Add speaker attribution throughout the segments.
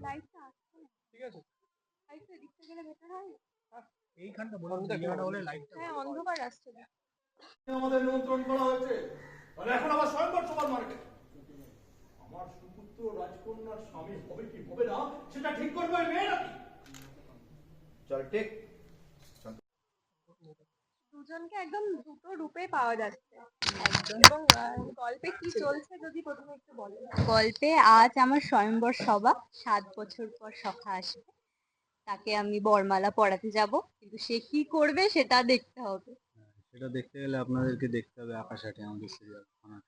Speaker 1: লাইটটা আসছে না।
Speaker 2: ঠিক আছে,
Speaker 1: লাইটটা দিকটা গেলে বেটার হয় না?
Speaker 2: এইখানটা বলে জায়গাটা হলে লাইটটা
Speaker 1: হ্যাঁ অন্ধকার আসছে না।
Speaker 3: আমাদের নিয়ন্ত্রণ করা হয়েছে, তাহলে এখন আবার স্বয়ংবর সবার মার্কেট। আমার সুপুত্র রাজকন্যার স্বামী হবে কি হবে না সেটা ঠিক করবে ওই মেয়ে নাকি?
Speaker 4: চল ঠিক।
Speaker 1: দুজনকে একদম দুটো রূপে পাওয়া যাচ্ছে।
Speaker 5: একদম।
Speaker 1: এবং গল্পে কি চলছে যদি প্রথমে একটু বলো।
Speaker 5: গল্পে আজ আমার স্বয়ংবর সভা, 7 বছর পর সখা আসবে, তাকে আমি বরমালা পরাতে যাব, কিন্তু সে কি করবে সেটা দেখতে হবে।
Speaker 6: সেটা দেখতে গেলে আপনাদেরকে দেখতে হবে আকাশ আটে আমাদের সিরিয়াল।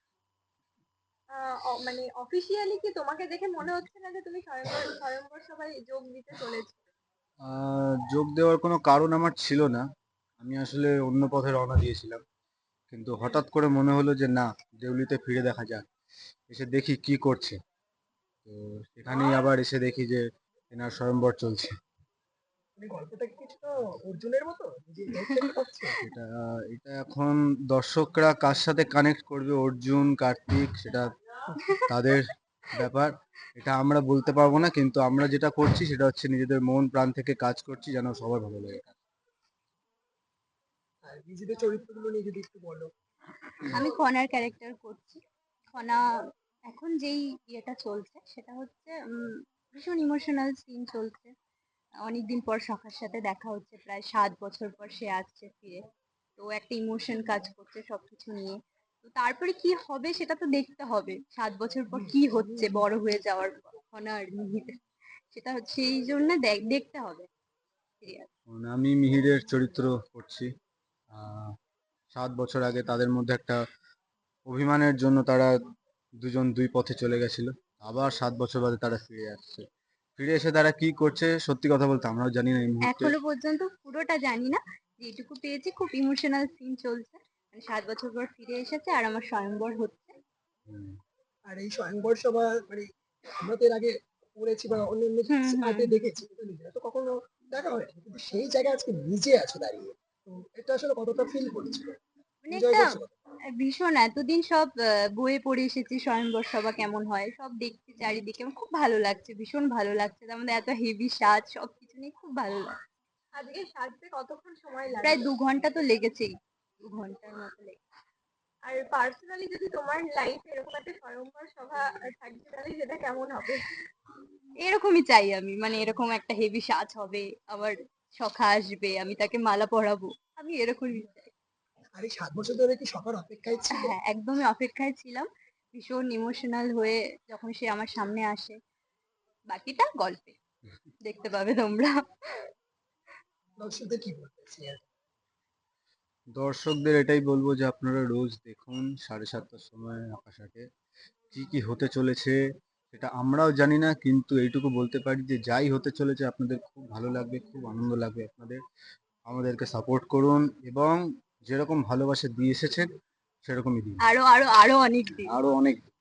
Speaker 1: মানে অফিসিয়ালি কি তোমাকে দেখে মনে হচ্ছে না যে তুমি স্বয়ংবর স্বয়ংবর সভায় যোগ দিতে চলেছো?
Speaker 6: যোগ দেওয়ার কোনো কারণ আমার ছিল না, আমি আসলে অন্য পথে রওনা দিয়েছিলাম, কিন্তু হঠাৎ করে মনে হলো যে না, দেউলিতে ফিরে দেখা যাক, এসে দেখি কি করছে। তো সেখানেই আবার এসে দেখি যে এনার স্বয়ংবর চলছে।
Speaker 2: গল্পটা কি কিছুটা অর্জুনের মতো যে দেখতে পাচ্ছে?
Speaker 6: এটা এটা এখন দর্শকরা কার সাথে কানেক্ট করবে, অর্জুন কার্তিক, সেটা তাদের ব্যাপার, এটা আমরা বলতে পারবো না, কিন্তু আমরা যেটা করছি সেটা হচ্ছে নিজেদের মন প্রাণ থেকে কাজ করছি যেন সবার ভালো লাগে।
Speaker 2: আর নিজেদের চরিত্রগুলো নিয়ে যদি একটু বলো।
Speaker 5: আমি খনার ক্যারেক্টার করছি। খনা এখন যেই ইয়েটা চলছে সেটা হচ্ছে ভীষণ ইমোশনাল সিন চলছে। অনেকদিন পর সখার সাথে দেখা হচ্ছে, প্রায় 7 বছর পর সে আসছে ফিরে। তো একটা ইমোশন কাজ করছে সবকিছু নিয়ে। তো তারপরে কি হবে সেটা তো দেখতে হবে, 7 বছর পর কি হচ্ছে বড় হয়ে যাওয়ার পর খনা আর মিহির, সেটা হচ্ছে এই জন্য দেখতে হবে সিরিয়াল।
Speaker 6: আমি মিহিরের চরিত্র করছি। 7 বছর আগে তাদের মধ্যে একটা অভিমানের জন্য তারা দুজন দুই পথে চলে গেছিল, আবার 7 বছর বাদে তারা ফিরে আসছে। ফিরে এসে তারা কি করছে সত্যি কথা বলতে আমরাও জানি না এই মুহূর্তে।
Speaker 5: এখনো পর্যন্ত পুরোটা জানি না, যেটুকু পেয়েছি খুব ইমোশনাল সিন চলছে, মানে 7 বছর পর ফিরে এসেছে আর আমার স্বয়ংবর হচ্ছে।
Speaker 2: আর এই স্বয়ংবর সভা মানে আমরা তো এর আগে পড়েছি বা অন্যান্য আর্টে দেখেছি, কিন্তু নিজেরা তো কখনো দেখা হয় কিন্তু সেই জায়গায় আজকে নিজে আছো দাঁড়িয়ে, তো এটা আসলে কতটা ফিল করছিল,
Speaker 5: মানে
Speaker 2: এনজয়
Speaker 5: একটা
Speaker 2: করছো কত?
Speaker 5: ভীষণ, এতদিন সব বইয়ে পড়ে এসেছি স্বয়ংবর সভা কেমন হয়, সব দেখছি চারিদিকে, আমার খুব ভালো লাগছে, ভীষণ ভালো লাগছে, তার মধ্যে এত হেভি সাজ, সবকিছু নিয়ে খুব ভালো লাগছে।
Speaker 1: আজকে সাজতে কতক্ষণ সময় লাগে?
Speaker 5: প্রায় 2 ঘন্টা তো লেগেছেই, 2 ঘন্টার মতো লেগেছে।
Speaker 1: আর পার্সোনালি যদি তোমার লাইফে এরকম একটা স্বয়ংবর সভা থাকছে তাহলে সেটা কেমন হবে?
Speaker 5: এরকমই চাই আমি, মানে এরকম একটা হেভি সাজ হবে, আবার সখা আসবে, আমি তাকে মালা পরাবো, আমি এরকমই চাই।
Speaker 2: আর এই 7 বছর ধরে কি সবার অপেক্ষায় ছিলে?
Speaker 5: হ্যাঁ, একদমই অপেক্ষায় ছিলাম, ভীষণ ইমোশনাল হয়ে যখন সে আমার সামনে আসে। বাকিটা গল্পে দেখতে পাবে তোমরা।
Speaker 2: দর্শকদের কি বলতে সিরিয়াল?
Speaker 6: দর্শকদের এটাই বলবো যে আপনারা রোজ দেখুন 7:30টার সময় আকাশ আটে। কি কি হতে চলেছে সেটা আমরাও জানি না, কিন্তু এইটুকু বলতে পারি যে যাই হতে চলেছে আপনাদের খুব ভালো লাগবে, খুব আনন্দ লাগবে আপনাদের। আমাদেরকে সাপোর্ট করুন এবং যেরকম ভালোবাসা দিয়ে এসেছেন সেরকমই দিন,
Speaker 5: আরো আরো আরো অনেক দিন।
Speaker 6: আরো অনেক